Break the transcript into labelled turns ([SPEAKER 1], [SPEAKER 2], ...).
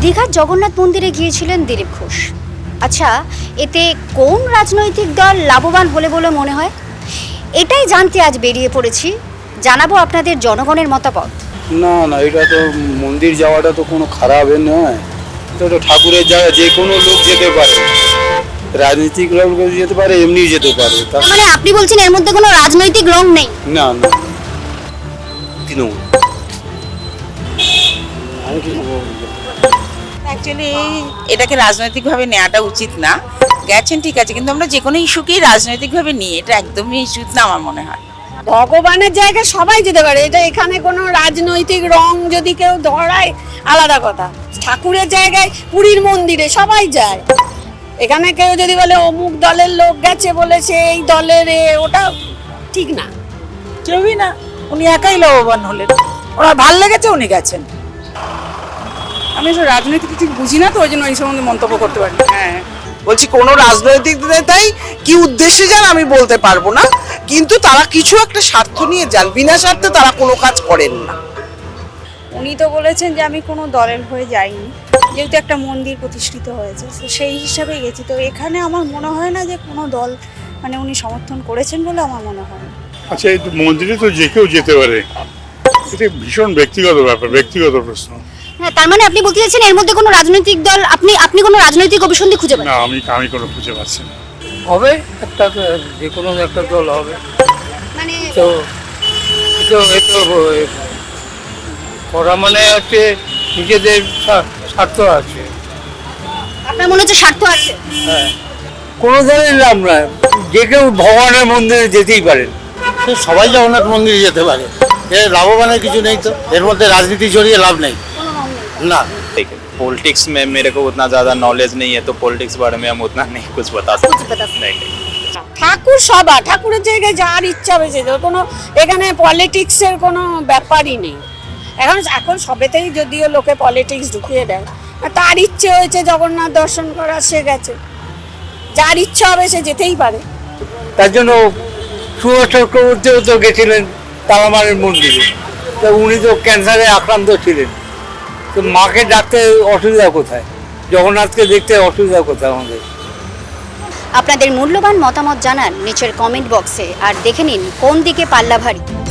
[SPEAKER 1] দীঘার জগন্নাথ মন্দিরে গিয়েছিলেন দিলীপ ঘোষ। আচ্ছা, এতে কোন রাজনৈতিক দল লাভবান হলে বলে মনে হয়? এটাই জানতে আজ বেরিয়ে পড়েছি, জানাবো আপনাদের জনগণের মতামত।
[SPEAKER 2] না না, এটা তো মন্দির যাওয়াটা তো কোনো খারাপ নয়। এটা তো ঠাকুরের জায়গা, যে কোনো লোক যেতে পারে, রাজনৈতিক লোক যেতে পারে, এমনি যেতে পারে।
[SPEAKER 1] মানে আপনি বলছেন এর মধ্যে কোনো রাজনৈতিক রং নেই?
[SPEAKER 2] না না, তৃণমূল। আমি কি বলবো?
[SPEAKER 3] অ্যাকচুয়ালি এটাকে রাজনৈতিকভাবে নেওয়াটা উচিত না। গেছেন ঠিক আছে, কিন্তু আমরা যে কোনো ইস্যুকেই রাজনৈতিকভাবে নিই, এটা একদমই উচিত না আমার মনে হয়।
[SPEAKER 4] ভগবানের জায়গায় সবাই যেতে পারে, এটা এখানে কোনো রাজনৈতিক রং যদি কেউ ধরায় আলাদা কথা। ঠাকুরের জায়গায় পুরীর মন্দিরে সবাই যায়, এখানে কেউ যদি বলে অমুক দলের লোক গেছে বলে সে এই দলের, ওটা ঠিক না।
[SPEAKER 5] কেউই না, উনি একাই লাভবান হলেন। ওনার ভাল লেগেছে, উনি গেছেন। আমি তো রাজনীতি কিছু বুঝি না, তো ওই জন্য এই সম্বন্ধে মন্তব্য করতে পারি। হ্যাঁ,
[SPEAKER 6] বলছি কোন রাজনৈতিক নেতাই কি উদ্দেশ্যে যান আমি বলতে পারবো না, কিন্তু তারা কিছু একটা স্বার্থ নিয়ে যান, বিনা স্বার্থে তারা কোনো কাজ করেন না।
[SPEAKER 7] উনি তো বলেছেন যে আমি কোনো দলের হয়ে যাইনি, যেহেতু একটা মন্দির প্রতিষ্ঠিত হয়েছে, তো সেই হিসাবে গেছি। তো এখানে আমার মনে হয় না যে কোনো দল মানে উনি সমর্থন করেছেন বলে আমার মনে হয় না।
[SPEAKER 8] আচ্ছা, এই মন্দিরে তো যে কেউ যেতে পারে, এটা ভীষণ ব্যক্তিগত ব্যাপার, ব্যক্তিগত প্রশ্ন।
[SPEAKER 1] হ্যাঁ, তার মানে আপনি বলতে চাইছেন এর মধ্যে কোনো রাজনৈতিক দল, আপনি কোনো রাজনৈতিক অভিসন্ধি খুঁজে পান
[SPEAKER 8] না, আমি কোনো খুঁজে পাচ্ছি না।
[SPEAKER 9] হবে একটা, যে কোনো একটা দল হবে।
[SPEAKER 1] মানে
[SPEAKER 9] তো এটা করা মানে হচ্ছে নিজেদের স্বার্থ আছে।
[SPEAKER 1] আপনার মনে হচ্ছে স্বার্থ আছে?
[SPEAKER 9] হ্যাঁ, কোনো দলের লাভ নয়, যে কেউ ভগবানের মন্দিরে যেতেই পারেন।
[SPEAKER 2] সবাই জগন্নাথ মন্দিরে যেতে পারে, এর লাভবানের কিছু নেই তো, এর মধ্যে রাজনীতি জড়িয়ে লাভ নেই। না,
[SPEAKER 10] पॉलिटिक्स में मेरे को उतना ज़्यादा नॉलेज नहीं है, तो पॉलिटिक्स बारे में हम उतना नहीं कुछ बता सकते। नहीं।
[SPEAKER 4] ঠাকুর সভা, ঠাকুরের জায়গায় যার ইচ্ছা হয়েছে, কোনো এখানে পলিটিক্সের কোনো ব্যাপারই নেই। এখন সবেতেই যদিও লোকে পলিটিক্স ঢুকিয়ে দেয়, তার ইচ্ছে হয়েছে জগন্নাথ দর্শন করা, সে গেছে। যার ইচ্ছা হবে সে যেতেই পারে।
[SPEAKER 9] তার জন্য সুভাষ চক্রবর্তীও তো গেছিলেন তালামারের মন্দিরে, তো উনি তো ক্যান্সারে আক্রান্ত ছিলেন, তো মাকে ডাকতে অসুবিধা কোথায়, জগন্নাথকে দেখতে অসুবিধা কোথায় আমাদের?
[SPEAKER 1] আপনাদের মূল্যবান মতামত জানান নিচের কমেন্ট বক্সে, আর দেখে নিন কোন দিকে পাল্লা ভারী।